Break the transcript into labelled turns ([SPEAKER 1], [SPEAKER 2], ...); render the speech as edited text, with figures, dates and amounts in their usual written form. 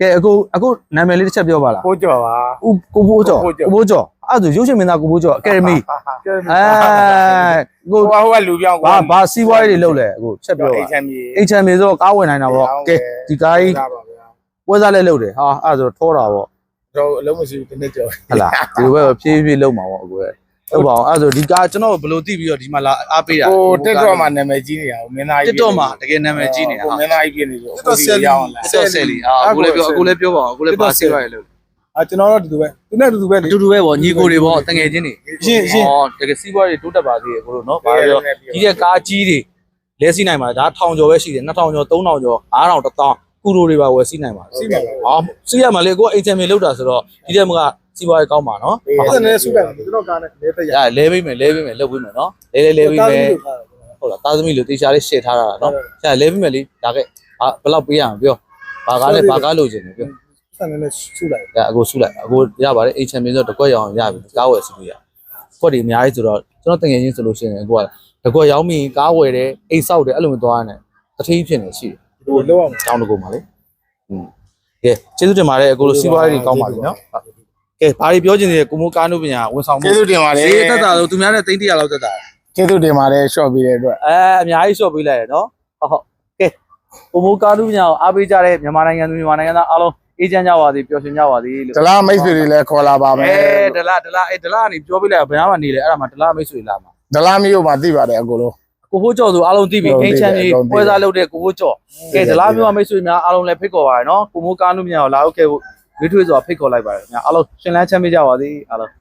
[SPEAKER 1] ကဲအခုနာမည်လေးတစ်ချက်ပြောပါလား
[SPEAKER 2] ကိုကျော်ပါ
[SPEAKER 1] ကိုဘိုးကျော်အဲ့ဒါရုပ်ရှင်မင်းသားကိုဘိုးကျော်အကယ်ဒမီကို
[SPEAKER 2] ဟိုကလူပြောင်း
[SPEAKER 1] ဘာစီးပွားရေးတွေလုပ်လဲအခုချက်ပြောပါ HM ဆိုတော့ကားဝင်နိုင်တာပေါ့ကဲဒီကားကြီးပွဲစားလဲလုပ်တယ်ဟာအဲ့ဒါဆိုထောတာပေါ့
[SPEAKER 2] တော့အလုံးမရှိဘူးတနေ့ကျော်
[SPEAKER 1] ဟလာဒီဘက်ဖြည်းဖြည်းလုပ်မှာပေါ့အခုဟုတ်ပါအောင်အဲ့ဒါဆိုဒီကားကျွန်တော်ဘယ်လိုသိပြီးတော့ဒီမှာလာအားပေးတာ
[SPEAKER 2] ဟိုတက်တော့မှနာမည်ကြီးနေတာဟိုမင်းသားကြီး
[SPEAKER 1] တက်တော့မှာတကယ်နာမည်ကြီးနေတာ
[SPEAKER 2] ဟိုမင်းသားကြီးပြနေလို့တက်တော့ဆယ်လီရောက်လာ
[SPEAKER 1] တက်တော့ဆယ်လီအခုလည်းပြောပါအောင်အခုလည်းပါစီးပွားရေးလုပ်
[SPEAKER 2] ကျွန်တော်တို့ဒီလိုပဲသူနဲ့တူပဲလေ
[SPEAKER 1] တူတူပဲပေါ့ညီကိုတွေပေါ့တငယ်ချင်းတွေ
[SPEAKER 2] ရှင်း
[SPEAKER 1] တကယ်စီးပွားရေးတိုးတက်ပါသေးတယ်ကိုတို့နော်ဘာပြောကြီးတဲ့ကားကြီးတွေလဲစီးနိုင်ပါဒါ1000ကျော်ပဲရှိတယ်2000ကျော်3000ကျော်9000 1000ကူရိုတွေပါဝယ်စီးနိုင်ပါ
[SPEAKER 2] စီးပါ
[SPEAKER 1] ဟာစီးရမှာလေကိုက HM လောက်တာဆိုတော့ဒီတဲ့မကစီးပွားရေးကောင်းပါနော်
[SPEAKER 2] အဲ့ဒါနဲ့စုပဲကျွန်တော်ကားနဲ့လဲတက်ရ
[SPEAKER 1] လဲပေးမယ်လုပ်ပေးမယ်နော်လဲပေးမယ်ဟုတ်လားတာသမီလို့တေချာလေးရှယ်ထားတာနော်ဆရာလဲပေးမယ်လေဒါကဘယ်လောက်ပေးရမှာပြောဘာကားလဲဘာကားလိုချင်တယ်ပြော
[SPEAKER 2] ဆက်နေနဲ့စုလိုက်
[SPEAKER 1] အခုဆုလိုက်အခုရပါတယ် HM ဆိုတော့တကွက်ရောင်ရပြီကားဝယ်စီးလို့ရကွက်တွေအများကြီးဆိုတော့ကျွန်တော်တငယ်ချင်းဆိုလို့ရှိရင်အခုကတကွက်ရောင်းပြီးကားဝယ်တယ်အိတ်ဆောက်တယ်အဲ့လိုမျိုးသွားရတယ်တထင်းဖြစ်နေရှိတယ်
[SPEAKER 2] ဟိုလောက်အောင်
[SPEAKER 1] တောင်းတကူပါလေကဲကျေးဇူးတင်ပါတယ်အခုလိုစီးပွားရေးတွေကောင်းပါပြီနော်ကဲဘာတွေပြောချင်သေးလဲကိုမိုးကားနုပညာဝန်ဆောင်မှု
[SPEAKER 2] ကျေးဇူးတင်ပါတယ်
[SPEAKER 1] ဈေးတက်တာလို့သူများနဲ့သိန်း100လောက်တက်တာ
[SPEAKER 2] ကျေးဇူးတင်ပါတယ်ရှော့ပေးတဲ့အတွက်
[SPEAKER 1] အများကြီးရှော့ပေးလိုက်ရနော်ဟုတ်ကဲကိုမိုးကားနုပညာကိုအားပေးကြတဲ့မြန်မာနိုင်ငံသူမြန်မာနိုင်ငံသားအားလုံးအေးချမ်းကြပါစေပျော်ရွှင်ကြပါစေလို့
[SPEAKER 2] ဒလားမိတ်ဆွေတွေလည်းခေါ်လာပါမယ်
[SPEAKER 1] ဒလားကနေပြောပြလိုက်ဘယ်မှာနေလဲအဲ့ဒါမှဒလားမိတ်ဆွေလာမှာ
[SPEAKER 2] ဒလားမျိုးမှာသိပါတယ်အကိုလုံး
[SPEAKER 1] ကိုဖိုးကျော်ဆိုအားလုံးသိပြီအိမ်ချမ်းကြီးပွဲစားလုပ်တဲ့ကိုဖိုးကျော်ကဲဒလားမျိုးမိတ်ဆွေများအားလုံးလည်းဖိတ်ခေါ်ပါရနော်ကိုမိုးကားနုပညာကိုလာဟုတ်ကဲ့ရွေးထွေးစွာဖိတ်ခေါ်လိုက်ပါတယ်ခင်ဗျာအားလုံးရှင်လန်းချမ်းမြေ့ကြပါစေအားလုံး